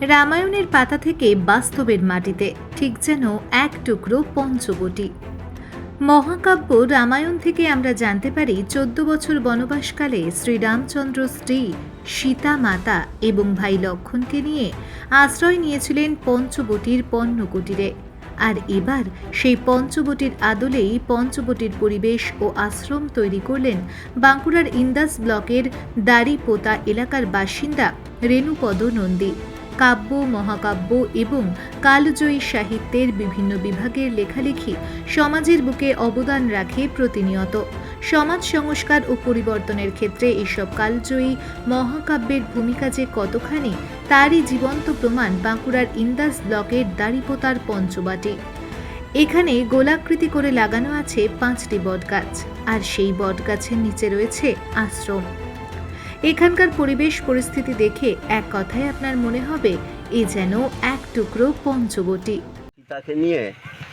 রামায়ণের পাতা থেকে বাস্তবের মাটিতে, ঠিক যেন এক টুকরো পঞ্চবটি। মহাকাব্য রামায়ণ থেকে আমরা জানতে পারি 14 বছর বনবাসকালে শ্রীরামচন্দ্র স্ত্রী সীতা মাতা এবং ভাই লক্ষ্মণকে নিয়ে আশ্রয় নিয়েছিলেন পঞ্চবটির পর্ণকুটিরে। আর এবার সেই পঞ্চবটির আদলেই পঞ্চবটির পরিবেশ ও আশ্রম তৈরি করলেন বাঁকুড়ার ইন্দাস ব্লকের দাড়িপোতা এলাকার বাসিন্দা রেণুপদ নন্দী। কাব্য, মহাকাব্য এবং কালজয়ী সাহিত্যের বিভিন্ন বিভাগের লেখালেখি সমাজের বুকে অবদান রাখে প্রতিনিয়ত। সমাজ সংস্কার ও পরিবর্তনের ক্ষেত্রে এসব কালজয়ী মহাকাব্যের ভূমিকা যে কতখানি, তারই জীবন্ত প্রমাণ বাঁকুড়ার ইন্দাস ব্লকের দাড়িপোতার পঞ্চবাটি। এখানে গোলাকৃতি করে লাগানো আছে 5টি বটগাছ, আর সেই বটগাছের নিচে রয়েছে আশ্রম। এখানকার পরিবেশ পরিস্থিতি দেখে এক কথায় আপনার মনে হবে এ যেন এক টুকরো পঞ্চবটি। সীতাকে নিয়ে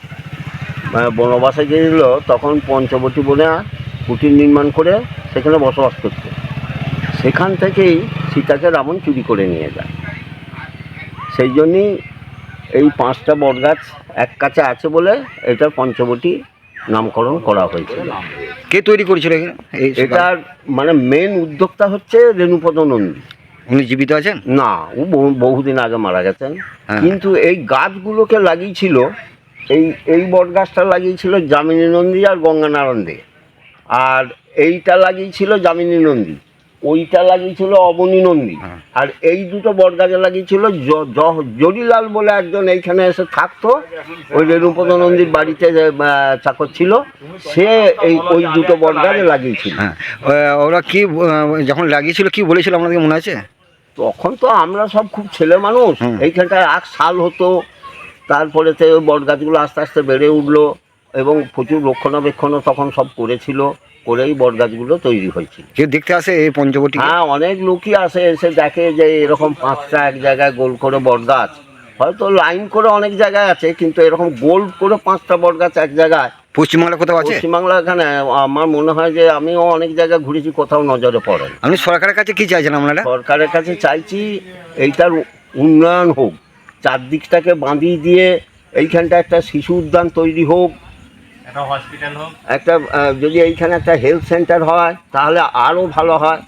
বনবাসে গিয়েছিল, তখন পঞ্চবটি বনে কুটির নির্মাণ করে সেখানে বসবাস করত। সেখান থেকেই সীতাকে রাবণ চুরি করে নিয়ে যায়। সেই জন্যই এই 5টা বটগাছ এক কাছে আছে বলে এটার পঞ্চবটি নামকরণ করা হয়েছিল। কে তৈরি করেছিল এটার মানে মেন উদ্যোক্তা হচ্ছে রেণুপদ নন্দী। উনি জীবিত আছেন? না, ও বহুদিন আগে মারা গেছেন। কিন্তু এই গাছগুলোকে লাগিয়েছিল, এই বট গাছটা লাগিয়েছিল যামিনী নন্দী আর গঙ্গানারায়ণ দে, আর এইটা লাগিয়েছিল যামিনী নন্দী, ওইটা লাগিয়েছিল অবনী নন্দী, আর এই দুটো বট গাছে লাগিয়েছিল জরিলাল বলে একজন এইখানে এসে থাকতো, ওই রেণুপদ নন্দীর বাড়িতে চাকর ছিল, সে ওই দুটো বট গাছে লাগিয়েছিল। ওরা কি যখন লাগিয়েছিল কি বলেছিল আপনাদের মনে আছে? তখন তো আমরা সব খুব ছেলে মানুষ, এইখানটায় 1 সাল হতো। তারপরে তো বট গাছগুলো আস্তে আস্তে বেড়ে উঠলো এবং প্রচুর রক্ষণাবেক্ষণও তখন সব করেছিল, করেই বট গাছগুলো তৈরি হয়েছিল। কেউ দেখতে আসে এই পঞ্চবটি? হ্যাঁ, অনেক লোকই আসে, এসে দেখে যে এরকম 5টা এক জায়গায় গোল করে বট গাছ, হয়তো লাইন করে অনেক জায়গায় আছে, কিন্তু এরকম গোল করে 5টা বট গাছ এক জায়গায় পশ্চিমবাংলা কোথাও আছে? পশ্চিমবাংলা এখানে আমার মনে হয় যে আমিও অনেক জায়গায় ঘুরেছি, কোথাও নজরে পড়ে। আপনি সরকারের কাছে কি চাইছেন আপনারা? সরকারের কাছে চাইছি এইটার উন্নয়ন হোক, চারদিকটাকে বাঁধিয়ে দিয়ে এইখানটা একটা শিশু উদ্যান তৈরি হোক, একটা হসপিটাল হোক, একটা যদি এইখানে একটা হেলথ সেন্টার হয় তাহলে আরও ভালো হয়।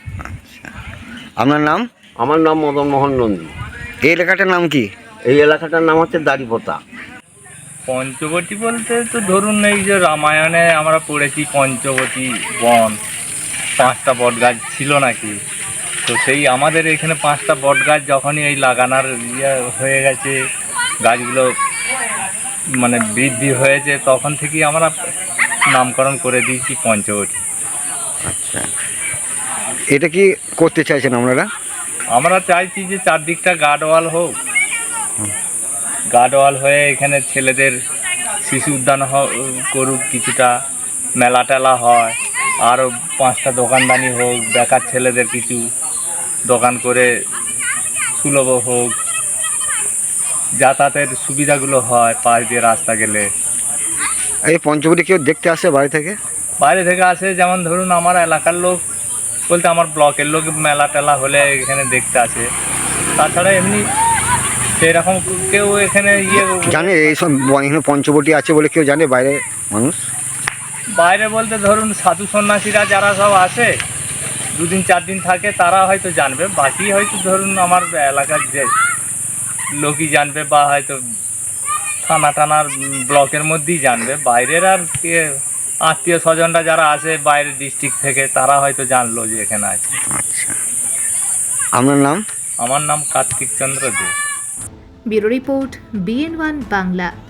আপনার নাম? আমার নাম মদন মোহন নন্দী। এই এলাকাটার নাম কি? এই এলাকাটার নাম হচ্ছে দাড়িপোতা। পঞ্চবটি বলতে তো ধরুন এই যে রামায়ণে আমরা পড়েছি পঞ্চবটি বন, 5টা বট গাছ ছিল নাকি, তো সেই আমাদের এখানে 5টা বট গাছ যখনই এই লাগানোর হয়ে গেছে, গাছগুলো মানে বৃদ্ধি হয়েছে, তখন থেকেই আমরা নামকরণ করে দিয়েছি পঞ্চবটি। আচ্ছা, এটা কি করতে চাইছেন আপনারা? আমরা চাইছি যে চারদিকটা গার্ডওয়াল হোক, গার্ডওয়াল হয়ে এখানে ছেলেদের শিশু উদ্যান করুক, কিছুটা মেলা টেলা হয়, আরও 5টা দোকানদানি হোক, বেকার ছেলেদের কিছু দোকান করে সুলভ হোক, যাতায়াতের সুবিধাগুলো হয়, পাশ দিয়ে রাস্তা গেলে। এই পঞ্চবটি কেউ দেখতে আসে বাইরে থেকে? বাইরে থেকে আসে, যেমন ধরুন আমার এলাকার লোক বলতে আমার ব্লকের লোক মেলা টেলা হলে এখানে দেখতে আসে। তাছাড়া এমনি সেরকম কেউ এখানে জানে এইসব এখানে পঞ্চবটি আছে বলে কেউ জানে বাইরে মানুষ? বাইরে বলতে ধরুন সাধু সন্ন্যাসীরা যারা সব আসে 2 দিন 4 দিন থাকে, তারা হয়তো জানবে, বাকি হয়তো ধরুন আমার এলাকার যে লোকই জানবে, বা হয়তো থানা টানার ব্লকের মধ্যেই জানবে। বাইরের আর কে আত্মীয় স্বজনরা যারা আসে বাইরের ডিস্ট্রিক্ট থেকে, তারা হয়তো জানলো যে এখানে আছে। আচ্ছা, আপনার নাম? আমার নাম Kartik Chandra De. Bureau report, BN1 Bangla.